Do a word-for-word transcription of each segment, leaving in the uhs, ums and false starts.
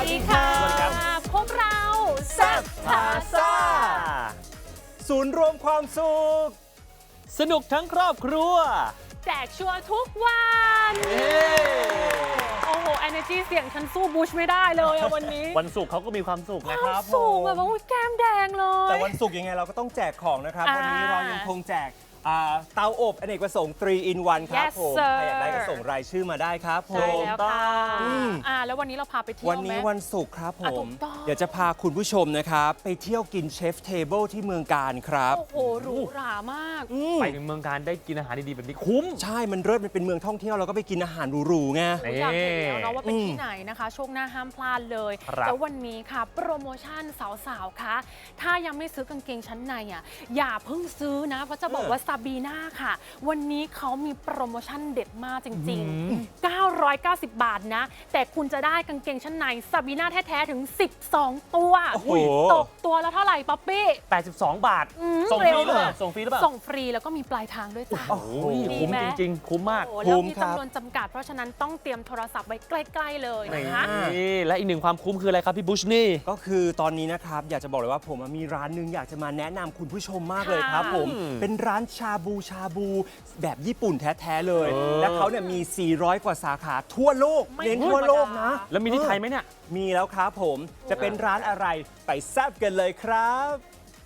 ดีค่ะพวกเราแซ่บพาซ่าศูนย์รวมความสุขสนุกทั้งครอบครัวแจกชัวร์ทุกวันโอ้โห energy เสียงฉันสู้บูชไม่ได้เลยอะวันนี้วันศุกร์เขาก็มีความสุขนะครับสูงแบบว่าแก้มแดงเลยแต่วันศุกร์ยังไงเราก็ต้องแจกของนะครับวันนี้เรายังคงแจกเตาอบอเนกประสงค์ ทรี อิน วัน ครับผมใครอยากได้ก็ส่งรายชื่อมาได้ครับผมใช่แล้วค่ะอ่าแล้ววันนี้เราพาไปเที่ยวไหมวันนี้วันศุกร์ครับผมอ่ะเดี๋ยวจะพาคุณผู้ชมนะครับไปเที่ยวกินเชฟเทเบิลที่เมืองการครับโอ้โหหรูหรามากไปถึงเมืองการได้กินอาหารดีๆแบบนี้คุ้มใช่มันเลิศมันเป็นเมืองท่องเที่ยวเราก็ไปกินอาหารหรูๆไงอยากเห็นแล้วเนาะว่าเป็นที่ไหนนะคะช่วงหน้าห้ามพลาดเลยแล้ววันนี้ค่ะโปรโมชั่นสาวๆคะถ้ายังไม่ซื้อกางเกงชั้นในอ่ะอย่าเพิ่งซื้อนะเพราะจะบอกว่าซาบีน่าค่ะวันนี้เขามีโปรโมชั่นเด็ดมากจริงๆเก้าร้อยเก้าสิบบาทนะแต่คุณจะได้กางเกงชั้นในซาบีน่าแท้ๆถึงสิบสองตัวตกตัวแล้วเท่าไหร่ป๊อปปี้แปดสิบสองบาทส่งฟรีหรือเปล่าส่งฟรีหรือเปล่าส่งฟรีแล้วก็มีปลายทางด้วยจ้ะคุ้มจริงๆคุ้มมากแล้วมีจำนวนจำกัดเพราะฉะนั้นต้องเตรียมโทรศัพท์ไว้ใกล้ๆเลยนะคะนี่และอีกหนึ่งความคุ้มคืออะไรครับพี่บุชนี่ก็คือตอนนี้นะครับอยากจะบอกเลยว่าผมมีร้านหนึ่งอยากจะมาแนะนำคุณผู้ชมมากเลยครับผมเป็นร้านชาบูชาบูแบบญี่ปุ่นแท้ๆเลยและเขาเนี่ยมีสี่ร้อยกว่าสาขาทั่วโลกเน้นทั่วโลกนะแล้วมีที่ไทยไหมเนี่ยมีแล้วครับผมจะเป็นร้านอะไรไปแซ่บกันเลยครับ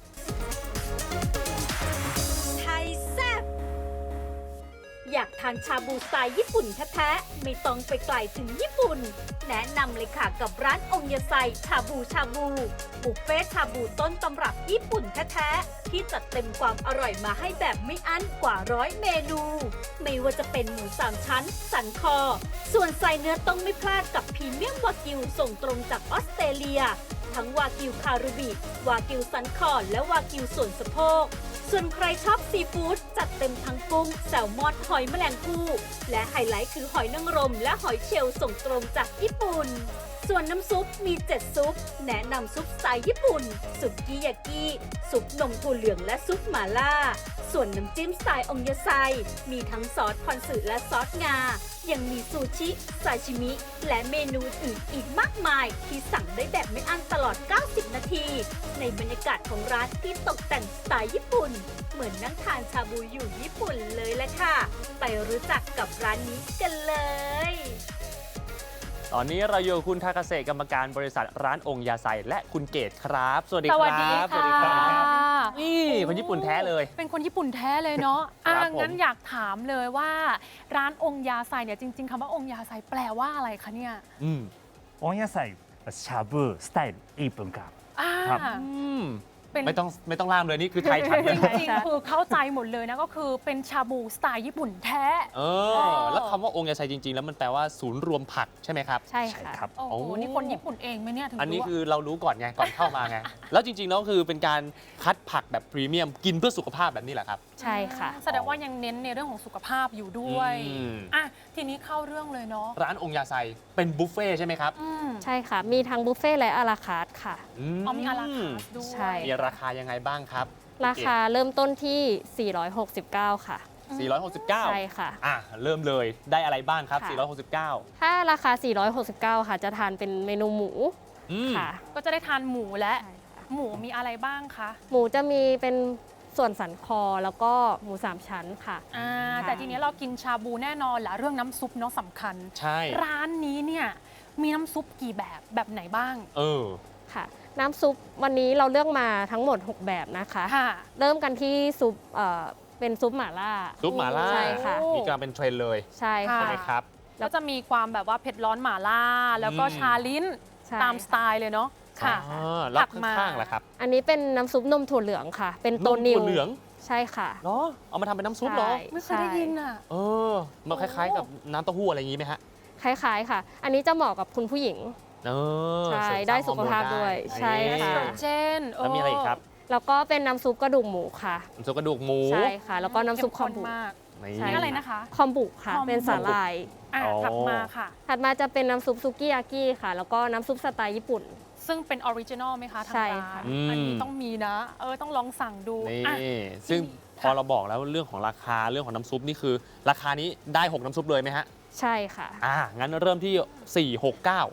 ไทยแซ่บอยากทานชาบูสไตล์ญี่ปุ่นแท้ๆไม่ต้องไปไกลถึงญี่ปุ่นแนะนำเลยค่ะกับร้านองยาไซชาบูชาบูบุฟเฟ่ชาบูต้นตำรับญี่ปุ่นแท้ๆที่จัดเต็มความอร่อยมาให้แบบไม่อั้นกว่าร้อยเมนูไม่ว่าจะเป็นหมูสามชั้นสันคอส่วนไส้เนื้อต้องไม่พลาดกับพรีเมียมวากิวส่งตรงจากออสเตรเลียทั้งวากิวคารุบิวากิวสันคอและวากิวส่วนสะโพกส่วนใครชอบซีฟู้ดจัดเต็มทั้งกุ้งแซลมอนหอยแมลงภู่และไฮไลท์คือหอยนางรมและหอยเชลล์ส่งตรงจากญี่ปุ่นส่วนน้ำซุปมีเจ็ดซุปแนะนำซุปสไตล์ญี่ปุ่นซุปกิยากิซุปนมถั่วเหลืองและซุปหม่าล่าส่วนน้ำจิ้มสไตล์องยาไซมีทั้งซอสคอนสึและซอสงายังมีซูชิซาชิมิและเมนูอื่นอีกมากมายที่สั่งได้แบบไม่อั้นตลอดเก้าสิบนาทีในบรรยากาศของร้านที่ตกแต่งสไตล์ญี่ปุ่นเหมือนนั่งทานชาบูอยู่ญี่ปุ่นเลยแหละค่ะไปรู้จักกับร้านนี้กันเลยตอนนี้เราอยู่กับคุณทาคาเซกรรมการบริษัทร้านองค์ยาไซและคุณเกตครับสวัสดีครับสวัสดีค่ะนี่คนญี่ปุ่นแท้เลยเป็นคนญี่ปุ่นแท้เลยเนาะอ่ะงั้นอยากถามเลยว่าร้านองค์ยาไซเนี่ยจริงๆคำว่าองค์ยาไซแปลว่าอะไรคะเนี่ยอืมองค์ยาไซชาบูสไตล์ญี่ปุ่นครับครับไม่ต้องไม่ต้องล่ามเลยนี่คือไทยชัดเลยจริงๆคือเข้าใจหมดเลยนะก็คือเป็นชาบูสไตล์ญี่ปุ่นแท้เออแล้วคำว่าองค์ยาไซจริงๆแล้วมันแปลว่าศูนย์รวมผักใช่ไหมครับใช่ค่ะโอ้โหนี่คนญี่ปุ่นเองไหมเนี่ยถึงอันนี้คือเรารู้ก่อนไงก่อนเข้ามาไงแล้วจริงๆแล้วคือเป็นการคัดผักแบบพรีเมียมกินเพื่อสุขภาพแบบนี้แหละครับใช่ค่ะแสดงว่ายังเน้นในเรื่องของสุขภาพอยู่ด้วยอ่ะทีนี้เข้าเรื่องเลยเนาะร้านองค์ยาไซเป็นบุฟเฟ่ใช่ไหมครับใช่ค่ะมีทั้งบุฟเฟ่และอาราคาร์ทค่ะอ๋อมีอาราคาร์ทด้วยใช่มีราคายังไงบ้างครับราคาเริ่มต้นที่สี่ร้อยหกสิบเก้าค่ะสี่ร้อยหกสิบเก้าใช่ค่ะอ่ะเริ่มเลยได้อะไรบ้างครับสี่ร้อยหกสิบเก้าถ้าราคาสี่ร้อยหกสิบเก้าค่ะจะทานเป็นเมนูหมูค่ะก็จะได้ทานหมูและหมูมีอะไรบ้างคะหมูจะมีเป็นส่วนสันคอแล้วก็หมูสามชั้นค่ะอ่าแต่ทีนี้เรากินชาบูแน่นอนแหละเรื่องน้ำซุปเนาะสำคัญใช่ร้านนี้เนี่ยมีน้ำซุปกี่แบบแบบไหนบ้างเออค่ะน้ำซุปวันนี้เราเลือกมาทั้งหมดหกแบบนะคะเริ่มกันที่ซุปเอ่อเป็นซุปหม่าล่าซุปหม่าล่าใช่ค่ะนี่กำลังเป็นเทรนด์เลยใช่ใช่ไหมครับแล้วจะมีความแบบว่าเผ็ดร้อนหม่าล่าแล้วก็ชาลิ้นตามสไตล์เลยเนาะค่ะแล้วข้างๆล่ะครับอันนี้เป็นน้ำซุปนมถั่วเหลืองค่ะเป็นตัวนิวถั่วเหลืองใช่ค่ะเนาะเอามาทำเป็นน้ำซุปเหรอไม่เคยได้ยินอ่ะเออมันคล้ายๆกับน้ำเต้าหู้อะไรอย่างนี้ไหมฮะคล้ายๆค่ะอันนี้จะเหมาะกับคุณผู้หญิงใช่ได้สุขภาพด้วยใช่ค่ะเช่นแล้วมีอะไรอีกครับแล้วก็เป็นน้ำซุปกระดูกหมูค่ะน้ำซุปกระดูกหมูใช่ค่ะแล้วก็น้ำซุปคอมบุนี่อะไรนะคะคอมบุค่ะเป็นสาหร่ายถัดมาค่ะถัดมาจะเป็นน้ำซุปซุกิยากิค่ะแล้วก็น้ำซุปสไตล์ญี่ปุ่นซึ่งเป็นออริจินอลไหมคะทางร้านอันนี้ต้องมีนะเออต้องลองสั่งดูนี่ซึ่งพอเราบอกแล้วเรื่องของราคาเรื่องของน้ำซุปนี่คือราคานี้ได้หกน้ำซุปเลยไหมฮะใช่ค่ะอ่างั้นเริ่มที่สี่ หก เก้า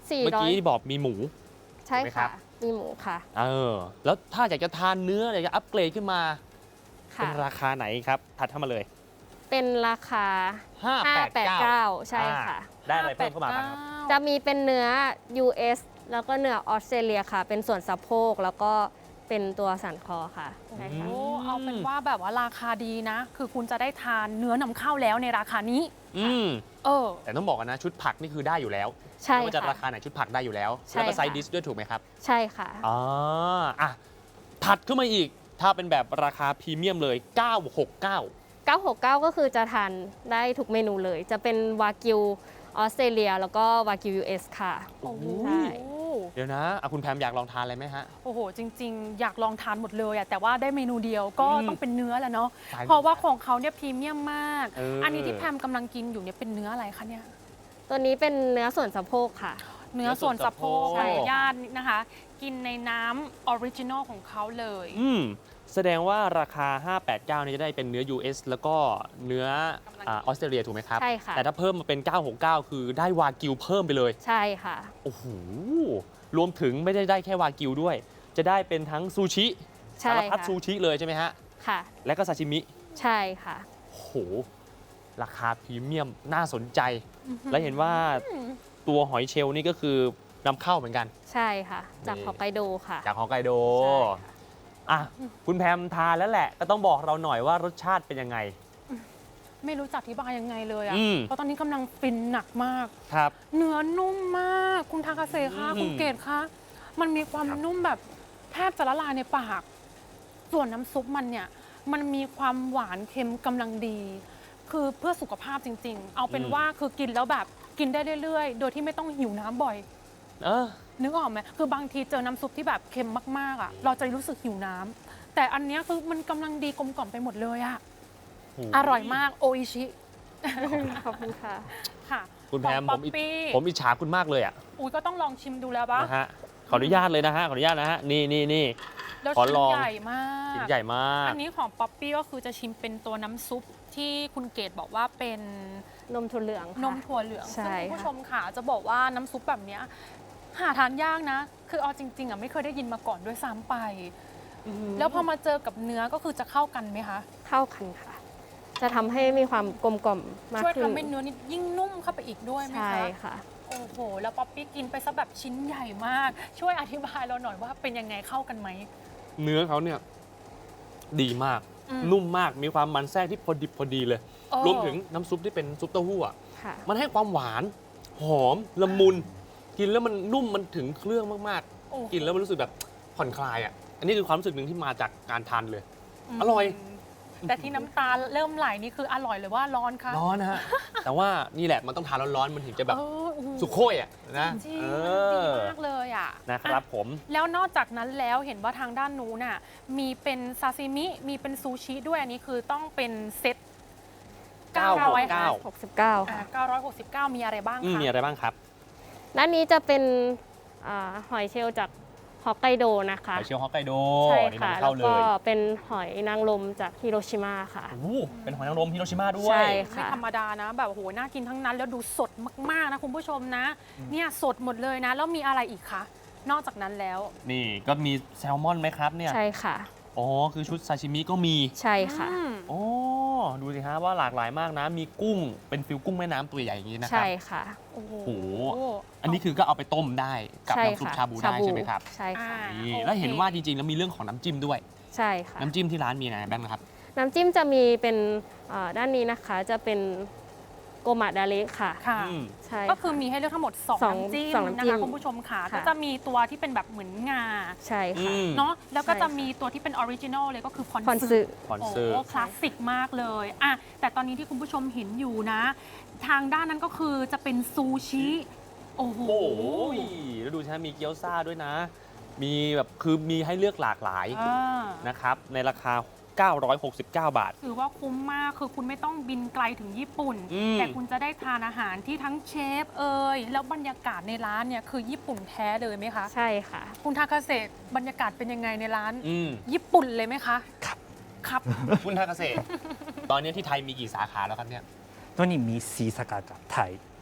สี่เมื่อร้อยกี้บอกมีหมูใช่ถูกไหมครัค่ะบมีหมูค่ะเออ แล้วถ้าอยากจะทานเนื้ออยากจะอัปเกรดขึ้นมาค่ะเป็นราคาไหนครับ ถัดเข้ามาเลยเป็นราคาห้าแปดเก้าห้าแปดเก้าใช่ค่ะได้อะไรเพิ่มเข้ามาบ้างครับจะมีเป็นเนื้อ ยู เอส แล้วก็เนื้อออสเตรเลียค่ะ เป็นส่วนสะโพกแล้วก็เป็นตัวสันคอค่ะใช่ค่ะโอ้เอาเป็นว่าแบบว่าราคาดีนะ คือคุณจะได้ทานเนื้อนำเข้าแล้วในราคานี้อืมเออแต่ต้องบอกกันนะชุดผักนี่คือได้อยู่แล้วใช่ไม่ว่าจะค่ะราคาไหนชุดผักได้อยู่แล้วใช่แล้วก็ไซค่ะด์ดิสด้วยถูกไหมครับใช่ค่ะอ๋ออ่ะถัดขึ้นมาอีก ถ้าเป็นแบบราคาพรีเมียมเลย เก้าหกเก้าเก้าหกเก้า ก็คือจะทานได้ทุกเมนูเลย จะเป็นวากิวออสเตรเลียแล้วก็วากิว ยู เอส ค่ะโอ้โหใช่เดี๋ยวนะอ่ะคุณแพมอยากลองทานอะไรไหมฮะโอ้โห จริง ๆ อยากลองทานหมดเลยอะแต่ว่าได้เมนูเดียวก็อืมต้องเป็นเนื้อแหละเนาะใช่เพราะว่าของเขาเนี่ยพรีเมียมมากเอออัอันนี้ที่แพมกำลังกินอยู่เนี่ยเป็นเนื้ออะไรคะเนี่ยตัวนี้เป็นเนื้อส่วนสะโพกค่ะเนื้อส่วนสะโพกใช่ขออนุญาตนะคะ กินในน้ำออริจินอลของเขาเลยอืมแสดงว่าราคา ห้าแปดเก้านี่จะได้เป็นเนื้อ ยู เอส แล้วก็เนื้ออ่าออสเตรเลียถูกไหมครับใช่ค่ะแต่ถ้าเพิ่มมาเป็น เก้าหกเก้า คือได้วากิวเพิ่มไปเลยใช่ค่ะโอ้โห รวมถึงไม่ได้ได้แค่วากิวด้วย จะได้เป็นทั้งซูชิใช่สารพัดค่ะซูชิเลยใช่ไหมฮะค่ะและก็ซาชิมิใช่ค่ะโอ้โห ราคาพรีเมียมน่าสนใจ และเห็นว่าตัวหอยเชลล์นี่ก็คือนำเข้าเหมือนกันใช่ค่ะ จากนี่ฮอกไกโดค่ะจากฮอกไกโดใช่ค่ะอ่ะ คุณแพมทานแล้วแหละ ก็ต้องบอกเราหน่อยว่ารสชาติเป็นยังไงไม่รู้จะอธิบายยังไงเลยอะอืมเพราะตอนนี้กำลังฟินหนักมากครับเนื้อนุ่มมาก คุณทากาเซคะอืมคุณเกดคะมันมีความครับนุ่มแบบแทบจะละลายในปาก ส่วนน้ำซุปมันเนี่ย มันมีความหวานเค็มกำลังดี คือเพื่อสุขภาพจริง ๆ เอาเป็นว่าคือกินแล้วแบบกินได้เรื่อยๆ โดยที่ไม่ต้องหิวน้ำบ่อยเออนึกออกไหมคือบางทีเจอน้ำซุปที่แบบเค็มมากๆอ่ะ เราจะรู้สึกหิวน้ำแต่อันเนี้ยคือมันกำลังดีกลมกล่อมไปหมดเลยอ่ะโอ้โหอร่อยมากโออิชิขอบคุณค่ะค่ะคุณแพมขผองมป๊อปปี้ผมอิจฉาคุณมากเลยอ่ะอุ้ยก็ต้องลองชิมดูแล้วปะนะฮะ ขออนุญาตเลยนะฮะ ขออนุญาตนะฮะ นี่นี่นี่แล้วขอชิ้นลองใหญ่มากชิ้นใหญ่มากอันนี้ของป๊อปปี้ก็คือจะชิมเป็นตัวน้ำซุปที่คุณเกดบอกว่าเป็นนมถั่วเหลืองค่ะนมถั่วเหลืองใช่ซึ่งคุณผู้ค่ะชมค่ะจะบอกว่าน้ำซุปแบบเนี้ยหาทานยากนะ คือเอาจริงๆอ่ะไม่เคยได้ยินมาก่อนด้วยซ้ำไป แล้วพอมาเจอกับเนื้อก็คือจะเข้ากันไหมคะเข้ากันค่ะ จะทำให้มีความกลมกล่อมมากช่วยขึ้นทำให้เนื้อนี่ยิ่งนุ่มเข้าไปอีกด้วยไหมใช่คะค่ะโอ้โห แล้วป๊อปปี้กินไปซะแบบชิ้นใหญ่มาก ช่วยอธิบายเราหน่อยว่าเป็นยังไงเข้ากันไหมเนื้อเขาเนี่ยดีมากอืมนุ่มมาก มีความมันแทรกที่พอดิบพอดีเลยเออรวมถึงน้ำซุปที่เป็นซุปเต้าหู้อะค่ะมันให้ความหวาน หอม ละมุน กินแล้วมันนุ่ม มันถึงเครื่องมากโอ้ๆ กินแล้วมันรู้สึกแบบผ่อนคลายอ่ะ อันนี้คือความรู้สึกหนึ่งที่มาจากการทานเลยมอร่อยแต่ที่น้ำตาเริ่มไหลนี่คืออร่อยหรือว่าร้อนคะร้อนนะฮะ แต่ว่านี่แหละมันต้องทานร้อนๆ มันถึงจะแบบเออโอ้โหสุโค่ยอ่ะนะจริงเอมันดีอมากเลยอ่ะนะครับผมแล้วนอกจากนั้นแล้วเห็นว่าทางด้านนู้นน่ะมีเป็นซาซิมิ มีเป็นซูชิด้วยอันนี้คือต้องเป็นเซ็ตเก้าร้อยเก้าหกสิบเก้าอ่าค่ะเก้าร้อยหกสิบเก้ามีอะไรบ้างอืมคะมีอะไรบ้างครับด้านนี้จะเป็นอ่าหอยเชลล์จากฮอกไกโดนะคะหอยเชลล์ฮอกไกโดใช่นี่ค่ะนำแล้เข้าว เลก็ยเป็นหอยนางรมจากฮิโรชิมาค่ะโอ้โหเป็นหอยนางรมฮิโรชิมาด้วยใช่ไม่ธรรมดานะ แบบโอ้โหน่ากินทั้งนั้น แล้วดูสดมาก ๆ นะคุณผู้ชมนะ เนี่ยสดหมดเลยนะ แล้วมีอะไรอีกคะ นอกจากนั้นแล้วนี่ก็มีแซลมอนไหมครับเนี่ยใช่ค่ะอ๋อ คือชุดซาชิมิก็มีใช่ค่ะอืมโอ้ดูสิฮะว่าหลากหลายมากนะ มีกุ้ง เป็นฟิลกุ้งแม่น้ำตัวใหญ่อย่างนี้นะครัใช่ค่ะโอ้โหโอ้โห อันนี้คือก็เอาไปต้มได้กับใช่น้ำซุปค่ะชาบูได้ใช่ไหมครับใช่ค่ะอ่านี่โอเคแล้วเห็นว่าจริงๆ แล้วมีเรื่องของน้ำจิ้มด้วยใช่ค่ะน้ำจิ้มที่ร้านมีอะไรบ้างนะครับน้ำจิ้มจะมีเป็นเอ่อด้านนี้นะคะจะเป็นโกมะดาริค่ะค่ะอืมใช่ก็คือมีให้เลือกทั้งหมดสองสองน้ำจิ้มสองน้ำนะจิ้มคะคุณผู้ชมค่ะค่ะก็จะมีตัวที่เป็นแบบเหมือนงาใช่ค่ะอืมเนาะ แล้วก็ใช่จะค่ะมีตัวที่เป็นออริจินอลเลยก็คือพอนพอนซึซึคอนโอ้เสิร์ตคลาสสิกมากเลยอะแต่ตอนนี้ที่คุณผู้ชมเห็นอยู่นะ ทางด้านนั้นก็คือจะเป็นซูชิ โอ้โหโอ้โหแล้วดูใช่ไหมมีเกี๊ยวซ่าด้วยนะ มีแบบคือมีให้เลือกหลากหลายอ่านะครับ ในราคา เก้าร้อยหกสิบเก้า บาทถือว่าคุ้มมาก คือคุณไม่ต้องบินไกลถึงญี่ปุ่นอืมแต่คุณจะได้ทานอาหารที่ทั้งเชฟเอ่ยแล้วบรรยากาศในร้านเนี่ยคือญี่ปุ่นแท้เลยไหมคะใช่ค่ะคุณทาคาเซะบรรยากาศเป็นยังไงในร้านอืมญี่ปุ่นเลยไหมคะ ครับ ครับคุณทาเกษตร ตอนนี้ที่ไทยมีกี่สาขาแล้วครับเนี่ยตัวนี้มีสีสาขากับไทย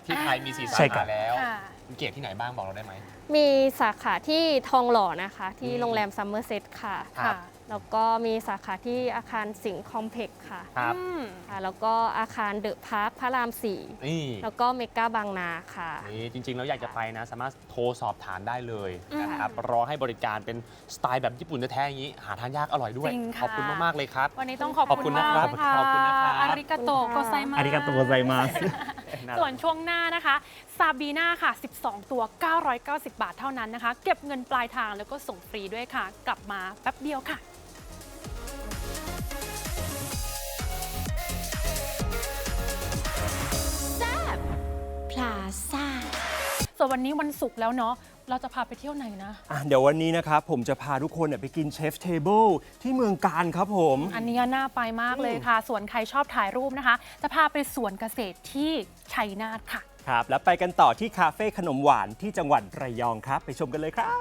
ที่ไทยมีสี่สาใช่ครัขาบแล้วค่ะคุณเกดที่ไหนบ้างบอกเราได้ไหมมีสาขาที่ทองหล่อนะคะ ที่อืมโรงแรมซัมเมอร์เซตค่ะครับแล้วก็มีสาขาที่อาคารสิงห์คอมเพล็กซ์ค่ะครับอืมค่ะ แล้วก็อาคารเดอะพาร์คพระรามสี่นี่แล้วก็เมกาบางนาค่ะนี่จริงๆแล้วอยากจะไปนะ สามารถโทรสอบถามได้เลยอืมนะครับรอให้บริการเป็นสไตล์แบบญี่ปุ่นแท้ๆอย่างนี้ หาทานยากอร่อยด้วยจริงค่ะขอบคุณมาก ๆ เลยครับวันนี้ต้องขอบขอบคุคุณณมากนะครับค่ะขอบคุณนะครับอาริกาโตโกไซมาありがとうございます。 ส่วนช่วงหน้านะคะซาบีนาค่ะ สิบสอง ตัว เก้าร้อยเก้าสิบ บาทเท่านั้นนะคะ เก็บเงินปลายทางแล้วก็ส่งฟรีด้วยค่ะ กลับมาแป๊บเดียวค่ะพลาซ่าส่วนวันนี้วันศุกร์แล้วเนาะ เราจะพาไปเที่ยวไหนนะอ่ะเดี๋ยววันนี้นะครับผมจะพาทุกคนเนี่ยไปกินเชฟเทเบิลที่เมืองการครับผมอันนี้น่าไปมากเลยค่ะ ส่วนใครชอบถ่ายรูปนะคะ จะพาไปสวนเกษตรที่ชัยนาทค่ะครับ แล้วไปกันต่อที่คาเฟ่ขนมหวานที่จังหวัดระยองครับ ไปชมกันเลยครับ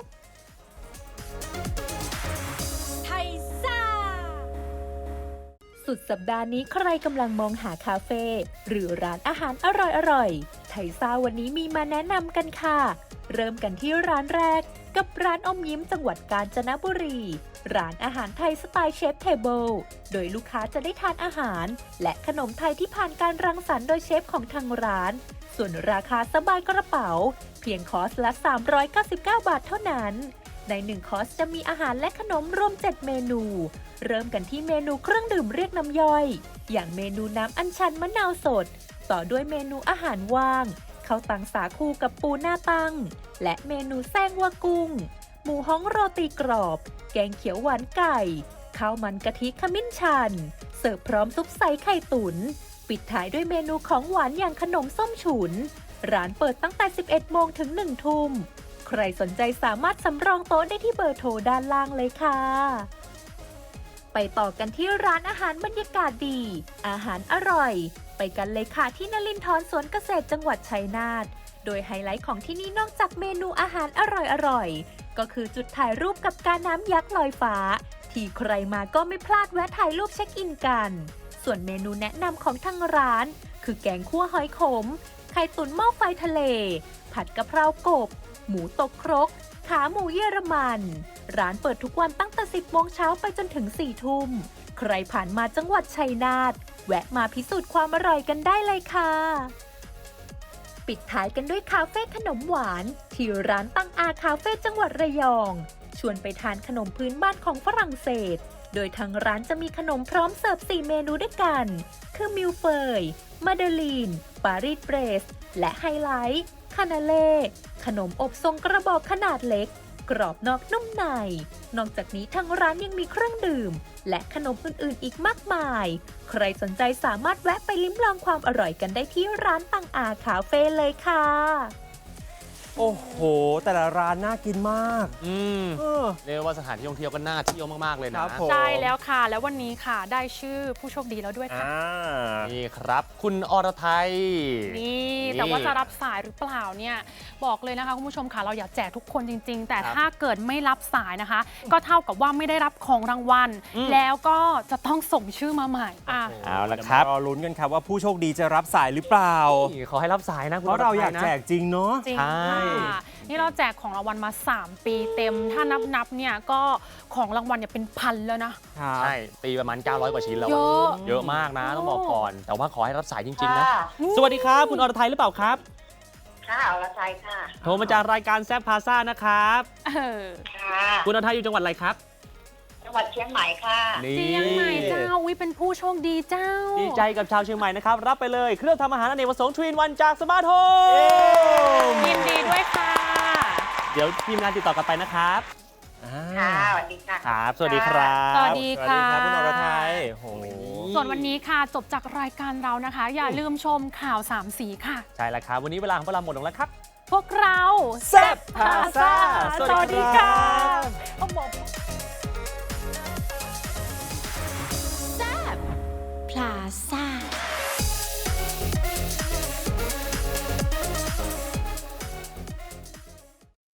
ไทยซ่า สุดสัปดาห์นี้ใครกำลังมองหาคาเฟ่หรือร้านอาหารอร่อยๆ ไทยซ่าวันนี้มีมาแนะนำกันค่ะ เริ่มกันที่ร้านแรกกับร้านอมยิ้มจังหวัดกาญจนบุรี ร้านอาหารไทยสไตล์เชฟเทเบิลโดยลูกค้าจะได้ทานอาหาร และขนมไทยที่ผ่านการรังสรรค์โดยเชฟของทางร้าน ส่วนราคาสบายกระเป๋า เพียงคอร์สละ สามร้อยเก้าสิบเก้า บาทเท่านั้น ในหนึ่งคอร์สจะมีอาหารและขนมรวม เจ็ด เมนู เริ่มกันที่เมนูเครื่องดื่มเรียกน้ำย่อย อย่างเมนูน้ำอัญชันมะนาวสด ต่อด้วยเมนูอาหารว่างข้าวตังสาคูกับปูหน้าตั้ง และเมนูแซงวากุ้ง หมูฮ้องโรตีกรอบ แกงเขียวหวานไก่ ข้าวมันกะทิขมิ้นชัน เสิร์ฟพร้อมซุปใสไข่ตุน๋น ปิดท้ายด้วยเมนูของหวานอย่างขนมส้มฉุน ร้านเปิดตั้งแต่ สิบเอ็ด โมงถึง หนึ่ง ทุ่ม ใครสนใจสามารถสำรองโต๊ะได้ที่เบอร์โทรด้านล่างเลยค่ะ ไปต่อกันที่ร้านอาหารบรรยากาศดี อาหารอร่อย ไปกันเลยค่ะที่นลินทรสวนเกษตรจังหวัดชัยนาท โดยไฮไลท์ของที่นี่นอกจากเมนูอาหารอร่อยๆ ก็คือจุดถ่ายรูปกับการน้ำยักษ์ลอยฟ้า ที่ใครมาก็ไม่พลาดแวะถ่ายรูปเช็คอินกัน ส่วนเมนูแนะนำของทางร้าน คือแกงคั่วหอยขม ไข่ตุ๋นหม้อไฟทะเล ผัดกะเพรากบ หมูตกครก ขาหมูเยอรมัน ร้านเปิดทุกวันตั้งแต่ สิบ โมงเช้าไปจนถึง สี่ ทุ่ม ใครผ่านมาจังหวัดชัยนาท แวะมาพิสูจน์ความอร่อยกันได้เลยค่ะ ปิดท้ายกันด้วยคาเฟ่ขนมหวาน ที่ร้านตั้งอาคาเฟ่จังหวัดระยอง ชวนไปทานขนมพื้นบ้านของฝรั่งเศส โดยทางร้านจะมีขนมพร้อมเสิร์ฟ สี่ เมนูด้วยกัน คือมิลเฟย มาเดลีน ปารีสเบรส และไฮไลท์ คานาเล่ ขนมอบทรงกระบอกขนาดเล็ก กรอบนอกนุ่มใน นอกจากนี้ทางร้านยังมีเครื่องดื่ม และขนมอื่นๆอีกมากมาย ใครสนใจสามารถแวะไปลิ้มลองความอร่อยกันได้ที่ร้านตังอาคาเฟ่เลยค่ะโอ้โห แต่ละร้านน่ากินมากอืมเออเรียกว่าสถานที่ท่องเที่ยวก็น่าเที่ยวมาก ๆ เลยคนะรับผมใช่แล้วค่ะ แล้ววันนี้ค่ะ ได้ชื่อผู้โชคดีแล้วด้วยค่ะอ่านี่ครับ คุณอรไทยนี่นี่แต่ว่าจะรับสายหรือเปล่าเนี่ยบอกเลยนะคะคุณผู้ชมค่ะเราอยากแจกทุกคนจริง ๆ แต่ครับถ้าเกิดไม่รับสายนะคะ ก็เท่ากับว่าไม่ได้รับของรางวัลอืมแล้วก็จะต้องส่งชื่อมาใหม่อ่ะเอาละครับเดี๋ยวมารอลุ้นกันครับว่าผู้โชคดีจะรับสายหรือเปล่านี่ขอให้รับสายนะคุณเพราะเราอยากไทนะแจกจริงเนาะจริงใช่ค่ะนี่เราแจกของรางวัลมา สาม ปีเต็ม ถ้านับนับๆเนี่ยก็ของรางวัลเนี่ยเป็นพันแล้วนะครับใช่ ตีประมาณ เก้าร้อย กว่าชิ้นแล้วเยอะเยอะมากนะ ต้องบอกก่อน แต่ว่าขอให้รับสายจริง ๆ นะค่ะสวัสดีครับ คุณอรไทยหรือเปล่าครับค่ะอรชัยค่ะโทรมาจากรายการแซฟพาซ่านะครับเออค่ะคุณอรไทยอยู่จังหวัดอะไรครับจังหวัดเชียงใหม่ค่ะนี่เชียงใหม่เจ้าวิเป็นผู้โชคดีเจ้าดีใจกับชาวเชียงใหม่นะครับ รับไปเลยเครื่องทำอาหารอเนกประสงค์ทรีนวันจากสมาร์ทโฮมยินดีด้วยค่ะเดี๋ยวทีมงานติดต่อกลับไปนะครับค่ะสวัสดีค่ะครับ สวัสดีครับสวัสดีค่ะสวัสดีครับคุณอรไทยโอ้โหส่วนวันนี้ค่ะจบจากรายการเรานะคะ อย่าลืมชมข่าวสามสีค่ะใช่แล้วครับ วันนี้เวลาของพวกเราหมดลงแล้วครับพวกเราแซ่บพาซ่าสวัสดีค่ะพลาซ่า